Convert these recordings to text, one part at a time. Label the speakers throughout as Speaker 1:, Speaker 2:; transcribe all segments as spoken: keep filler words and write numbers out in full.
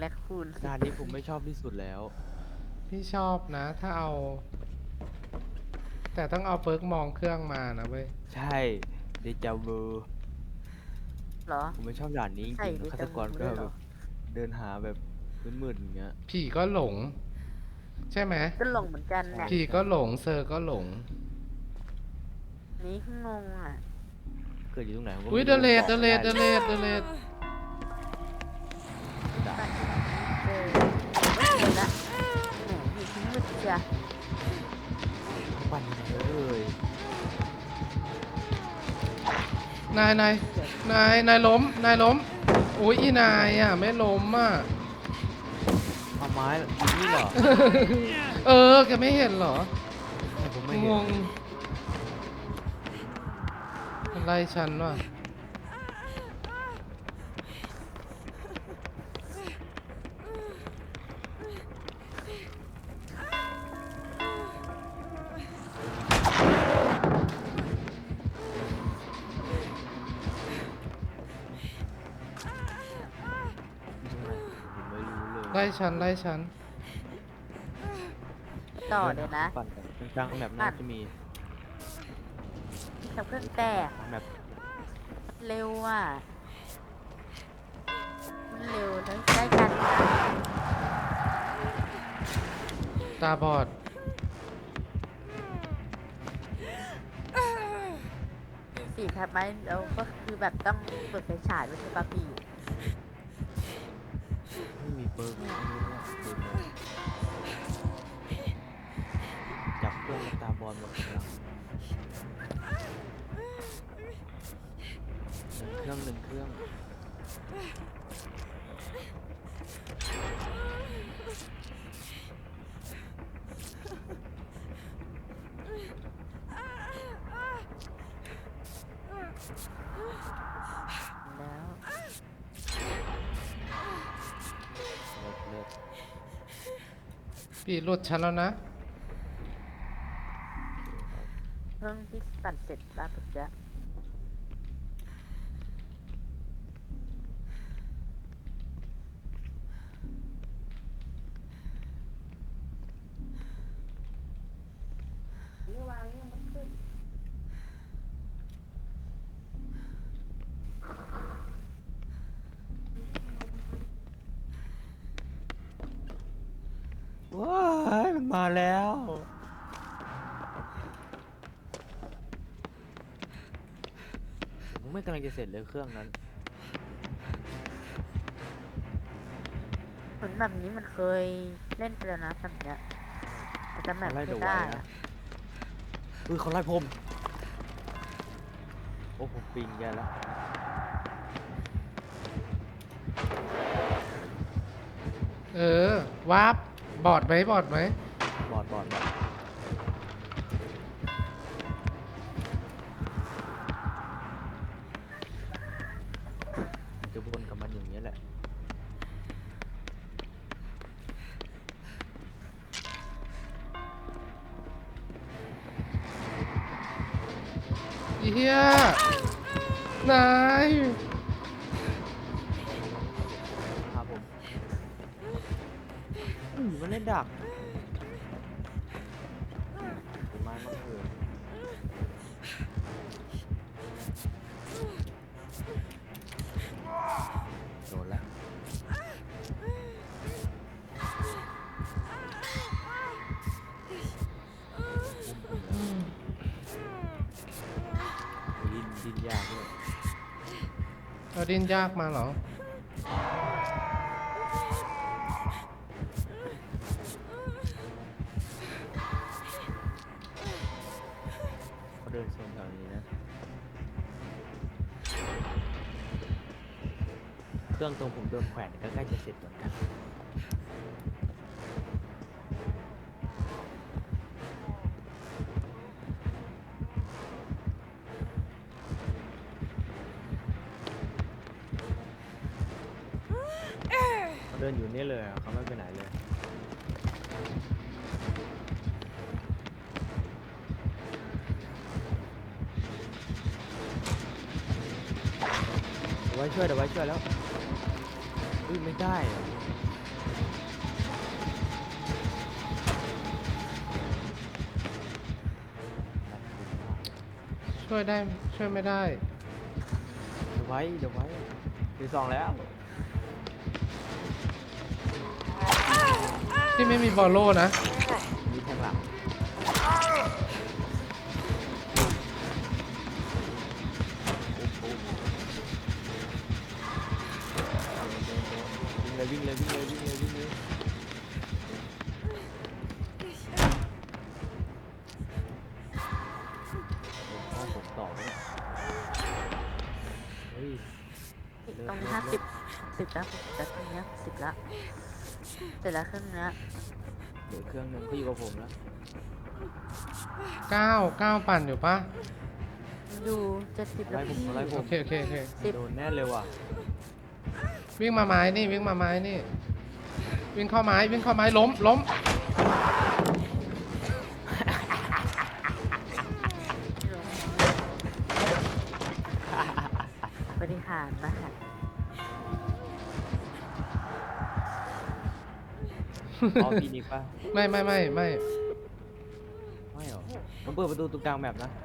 Speaker 1: แรคคูน
Speaker 2: ด่านนี้ผมไม่ชอบที่สุดแล้ว
Speaker 3: พี่ชอบนะถ้าเอา แต่ต้องเอาเปิร์กมองเครื่องมานะเว้ย
Speaker 2: ใช่เดจาวู
Speaker 1: เหรอ
Speaker 2: ผมไม่ชอบด่านนี้จ
Speaker 1: ใส่
Speaker 2: ริงๆฆาต
Speaker 1: เดจา
Speaker 2: กรก็
Speaker 1: วูด้วยเหรอ
Speaker 2: แบบเดินหาแบบมืดๆอย่างเงี้ย
Speaker 3: ผีก็หลง ใช่ไหม
Speaker 1: ก็หลงเหมือนกัน
Speaker 2: ใช่
Speaker 1: เนี่ย
Speaker 3: ผีก็หลงเซอร์ก็หลง
Speaker 1: นี่งงอ่ะ
Speaker 2: เกิดอยู่ตรงไหนผมก็
Speaker 3: อุ้ย
Speaker 2: ไม่
Speaker 3: เด
Speaker 2: รู้
Speaker 3: เล
Speaker 2: บ
Speaker 3: ด
Speaker 2: อก
Speaker 3: เด
Speaker 2: ไม่
Speaker 3: เล
Speaker 2: ได้
Speaker 3: ดเดเลดเดเลด
Speaker 2: ด่า
Speaker 1: เจอไม่เจอละแหมอยู่ที่มืดเชีย
Speaker 2: ปั่นเยอะเลย
Speaker 3: นายนายนายนายล้มนายล้มอุ้ยอีนายอ่ะไม่ล้มอ่ะ
Speaker 2: เอาไม้ยิงนี่เหรอ
Speaker 3: เออแกไม่เห็นเหรอ
Speaker 2: แต่ผมไม่
Speaker 3: ง
Speaker 2: เห็น
Speaker 3: งอะไรฉันวะ
Speaker 2: ผมไม่รู้เลย
Speaker 3: ไล่ฉันไล่ฉัน
Speaker 1: ต่อเดี๋ยวนะ
Speaker 2: ปั่นกันกลางๆแบบน่าจะมี
Speaker 1: ทำเครื่องแตก
Speaker 2: แบบ
Speaker 1: เร็วอ่ะมันเร็วแล้วได้กันนะ
Speaker 3: ตาบอด
Speaker 1: สี่ทับไหมแล้วก็คือแบบต้องเปิดไฟฉายด้วยใช่ปะพี่
Speaker 2: ไม่มีเปิร์กไม่รู้ว่าเปิร์กอะไรจับเครื่องตาบอลหมดกำลังหนึ่งเครื่องหนึ่งเครื่อง
Speaker 1: แล้ว
Speaker 2: เลิศเลิศ
Speaker 3: ปีหลุดฉันแล้วนะ
Speaker 1: เครื่องที่ปั่นเสร็จแล้วปุ๊บจะ
Speaker 2: ว้ายมันมาแล้วผมไม่กำลังจะเสร็จเลยเครื่องนั้น
Speaker 1: เหมือนแบบนี้มันเคยเล่นไปแล้วนะแบบเนี้ยแต่จำแบบ
Speaker 2: เขาไล่
Speaker 1: ไม่
Speaker 2: เดอะไว
Speaker 1: ได้
Speaker 2: ท์
Speaker 1: อะ
Speaker 2: นะเออเขาไล่ผมโอ้ผมปิงแกแล้ว
Speaker 3: เออวาร์ปบอดไหมบอดไหม
Speaker 2: บอดบอดบอดจะวนกับมันอย่างนี้ยแหละ
Speaker 3: อีเหี้ยนาย
Speaker 2: ครับผมอืมมันเล่นดักถือไม้มาเถอะโดนแล้วดินดินยากด้วย
Speaker 3: เอาดินยากมาเหรอ
Speaker 2: เขาเดินโซนแถวนี้นะ เครื่องตรงผมโดนแขวนก็ใกล้จะเสร็จเหมือนกันเขาเดินอยู่นี่เลยอะเขาไม่ไปไหนเลยเดี๋ยวไว้ช่วยเดี๋ยวไว้ช่วยแล้วอุ้ยไม่ได้อะ
Speaker 3: ช่วยได้ช่วยไม่ได้
Speaker 2: เดี๋ยวไว้เดี๋ยวไว้ถือสองแล้ว
Speaker 3: ที่ไม่มีบอลโล่นะ
Speaker 2: มีแทงหลังวิ่งเลยวิ่งเลยวิ่งเลยวิ่งเลยวิ่งเลยโอ้โหผมต่อเลยเฮ้ย
Speaker 1: ตรงนี้ห้าสิบสิบแล้วแต่ตรงนี้สิบละเสร็จแล้วเครื่องเนี้ย
Speaker 2: เดี๋ยวเครื่องนึงเขาอยู่กับผมแล้ว
Speaker 3: เก้าเก้าปั่นอยู่ปะ
Speaker 1: ดูเจ็ดสิบแล้ว
Speaker 2: ไล่ผม
Speaker 1: พี่
Speaker 2: ไล่ผ
Speaker 3: โอ
Speaker 2: ม
Speaker 3: เคโอเคโอเค
Speaker 2: โดนแน่เลยว่ะ
Speaker 3: วิ่งมาไม้นี่วิ่งมาไม้นี่ วิ่งเข้าไม้วิ่งเข้าไม้ล้มล้ม
Speaker 1: บริหารมาค่ะ
Speaker 2: อ๋อพีนิกป่ะ
Speaker 3: ไม่ไม่ไม่ไม่
Speaker 2: ไม่หรอมันเปิดประตูตรงกลางแบบนะ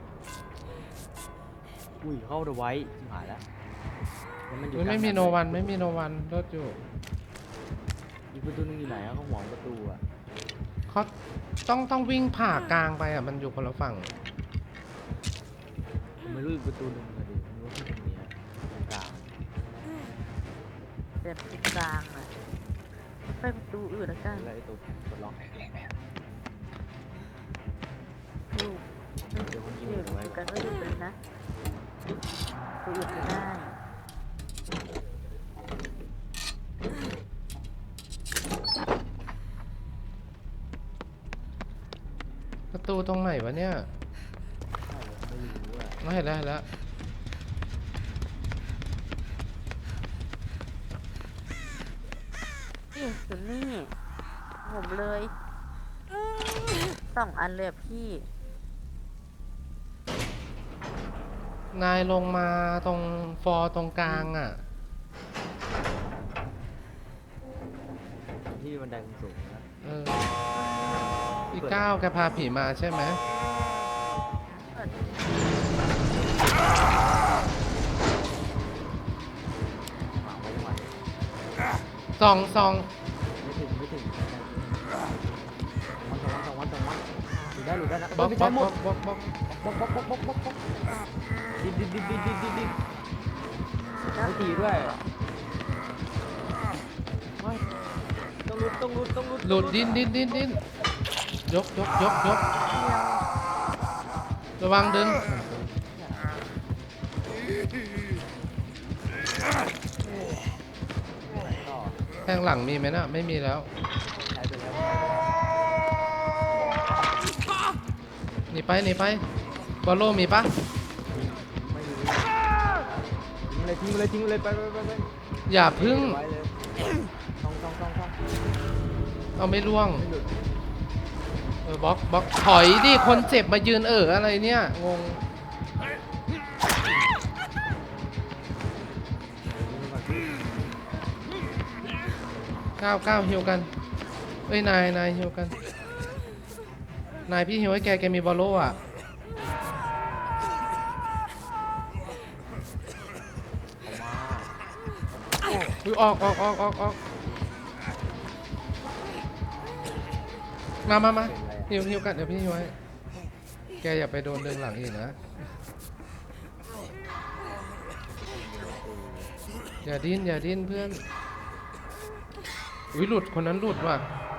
Speaker 2: อุ้ยเข้าเดอะไว้ชิบหายแล้วแล้วมันอยู่
Speaker 3: มัน
Speaker 2: กลาง
Speaker 3: ไม่มี
Speaker 2: แบบ
Speaker 3: โนวันไม่มีโนวันรถอยู่
Speaker 2: อีกประตูนึงอยู่ไหนอะเขาหวงประตูอะ
Speaker 3: เขาต้องต้องวิ่งผ่ากลางไปอ่ะมันอยู่คนละฝั่ง
Speaker 2: ผมไม่รู้อีกประตูนึงเลยดิไม่รู้ที่ตรงนี้อะตรงกลาง
Speaker 1: เดินตรงกลางอ่ะไปประตูอื่นแล้วกัน
Speaker 2: แล้วไอ้ตัวกดล็อก
Speaker 1: ดู
Speaker 2: เดี๋ยวผมยิง
Speaker 1: อยู่
Speaker 2: เอาไว้
Speaker 1: กันก็อยู่เลยนะตัวอื่นไม่ได้
Speaker 3: ประตูตรงไหนวะเนี่ย
Speaker 2: ไม่รู้อะ
Speaker 3: ไม่เห็นแล้วเห็นแล้ว
Speaker 1: นี่อยู่นี่ผมเลยสองอันเลยอะพี่
Speaker 3: นายลงมาตรงฟอร์ตรงกลางอ่ะ
Speaker 2: ที่บันไดสูงๆนะ
Speaker 3: เอออีกเก้าแกพาผีมาใช่ไหม
Speaker 2: หมาไว้วัน
Speaker 3: ซองซอง
Speaker 2: ไม่ถึงไม่ถึงวันสองวันสองวันสองวันหลุดได้หลุดได้นะ
Speaker 3: บล็อก
Speaker 2: ไม่
Speaker 3: บ
Speaker 2: ใช่
Speaker 3: ล็อก
Speaker 2: หม
Speaker 3: บล็อ
Speaker 2: ด
Speaker 3: กบล็อกบล็อก
Speaker 2: บล็อกบล็อกบล็อกบล็อกบล็อกบล็อกดิดดิดดิดดิดดิดดิดดิดไม่ตีด้วยไม่ต้องรุดต้องรุดต้องรุด
Speaker 3: หลุดดิ้นดิ้นดิ้นดิ้นยกยกยกยกระวังดึง
Speaker 2: ต่อ
Speaker 3: แทงหลังมีไหมน่ะไม่มีแล้ว
Speaker 2: ใช้ไปแล้ว
Speaker 3: หนีไปหนีไปบอลโลมีปะ
Speaker 2: ไม่รู้ทิ้งเลยทิ้งเลยทิ้งเลยไปไปไปไป
Speaker 3: อย่าพึ่ง
Speaker 2: ไว้เลยต้องต้องต้องต้อง
Speaker 3: เอาไม่ล่วง
Speaker 2: ไม่หลุด
Speaker 3: เออบล็อกบล็อกถอยดิคนเจ็บมายืนเอออะไรเนี่ยงงก้าวก้าวฮิวกันเอ้ยนายนายฮิวกันนายพี่ฮิวให้แกแกมีบอลโลอ่ะ
Speaker 2: ออกมา
Speaker 3: อุ๊ยออกออกออกออกออกมามามาฮิวฮิวกันเดี๋ยวพี่ฮิวให้แกอย่าไปโดนดึงหลังอีกนะอย่าดิ้นอย่าดิ้นเพื่อนอุ้ยหลุดคนนั้นหลุดว่ะ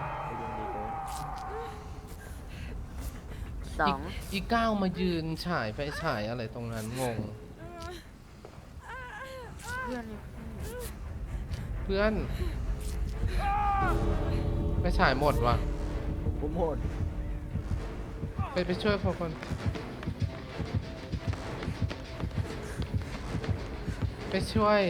Speaker 1: สอง
Speaker 3: อีกก้าวมายืนฉายไฟฉายอะไรตรงนั้นงง
Speaker 1: เพื่อนนี่
Speaker 3: เพื่อนไฟฉายหมดว่ะ
Speaker 2: ผมโหด
Speaker 3: ไปไปช่วยพอคนไปช่วย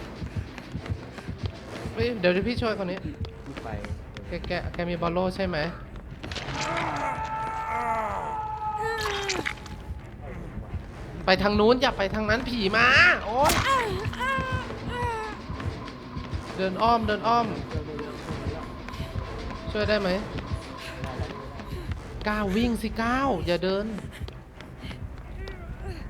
Speaker 3: เฮ้ยเดี๋ยวเดี๋ยวพี่ช่วยคนนี้
Speaker 2: ลูกไป
Speaker 3: แกแกแกมีบอลโล่ใช่ไหมไปทางนู้นอย่าไปทางนั้นผีมาโอ๊ยเดินอ้อมเดินอ้อม ช่วยได้ไหมก้าววิ่งสิก้าวอย่าเดิน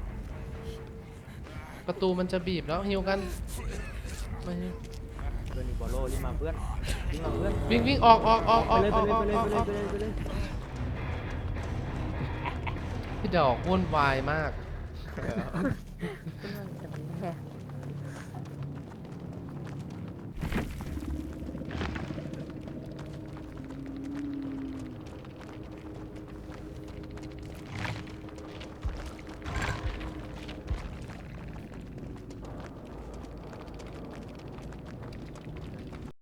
Speaker 3: ประตูมันจะบีบแล้วฮิวกันมาฮิว
Speaker 2: เพื่อนอีกบอลโลรีบมาเพื่อนรีบมาเพื่อน
Speaker 3: วิ่งวิ่งออกออกออกอ
Speaker 2: ไป
Speaker 3: อก
Speaker 2: เลย
Speaker 3: อ
Speaker 2: ไป
Speaker 3: อก
Speaker 2: เลย
Speaker 3: ออก
Speaker 2: ไปเลย
Speaker 3: ออก
Speaker 2: ไปเลยไปเลยไปเลย
Speaker 3: พี่ดอกวุ่นวายมาก
Speaker 1: เพื่อนจะมันแย่